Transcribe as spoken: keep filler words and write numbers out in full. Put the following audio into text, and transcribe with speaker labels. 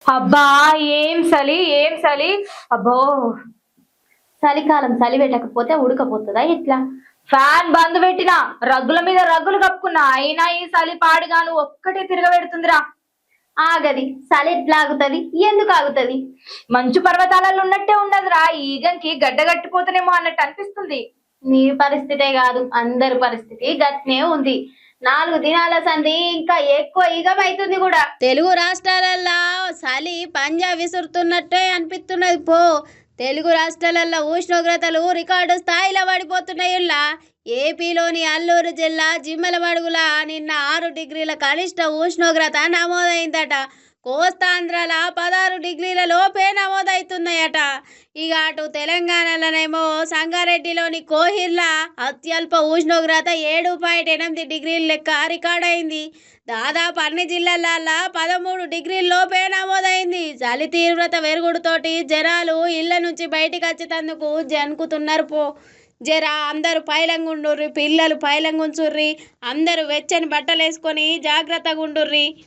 Speaker 1: అబ్బా ఏం చలి ఏం చలి. అబ్బో
Speaker 2: చలికాలం చలి పెట్టకపోతే ఉడకపోతుందా ఇట్లా?
Speaker 1: ఫ్యాన్ బంద్ పెట్టినా, రగ్గుల మీద రగ్గులు కప్పుకున్నా, అయినా ఈ చలి పాడుగాను ఒక్కటే తిరగబెడుతుందిరా.
Speaker 2: ఆగది చలి ఎట్లా ఆగుతుంది? ఎందుకు ఆగుతుంది?
Speaker 1: మంచు పర్వతాలలో ఉన్నట్టే ఉండదురా, ఈగంకి గడ్డ కట్టిపోతేనేమో అన్నట్టు అనిపిస్తుంది.
Speaker 2: నీ పరిస్థితే కాదు, అందరి పరిస్థితి గట్నే ఉంది. నాలుగు దినాల సంధి ఇంకా ఎక్కువ ఈగమైతుంది కూడా.
Speaker 3: తెలుగు రాష్ట్రాలల్లో చలి పంజా విసురుతున్నట్టే అనిపిస్తున్నది పో. తెలుగు రాష్ట్రాలల్లో ఉష్ణోగ్రతలు రికార్డు స్థాయిలో పడిపోతున్నాయిలా. ఏపీలోని అల్లూరు జిల్లా జిమ్మలమడుగుల నిన్న ఆరు డిగ్రీల కనిష్ట ఉష్ణోగ్రత నమోదైందట. కోస్తాంధ్రాల పదహారు డిగ్రీల లోపే నమోదవుతున్నాయట. ఇక అటు తెలంగాణలోనేమో సంగారెడ్డిలోని కోహిర్ల అత్యల్ప ఉష్ణోగ్రత ఏడు పాయింట్ ఎనిమిది డిగ్రీల లెక్క రికార్డైంది. దాదాపు అన్ని జిల్లాలల్లో పదమూడు డిగ్రీల లోపే నమోదైంది. చలి తీవ్రత పెరుగుడుతోటి జనాలు ఇళ్ల నుంచి బయటికి వచ్చేందుకు జనుకుతున్నారు పో. జర అందరూ పైలంగుండుర్రి, పిల్లలు పైలంగుంచుర్రి, అందరూ వెచ్చని బట్టలు వేసుకొని జాగ్రత్తగా ఉండుర్రి.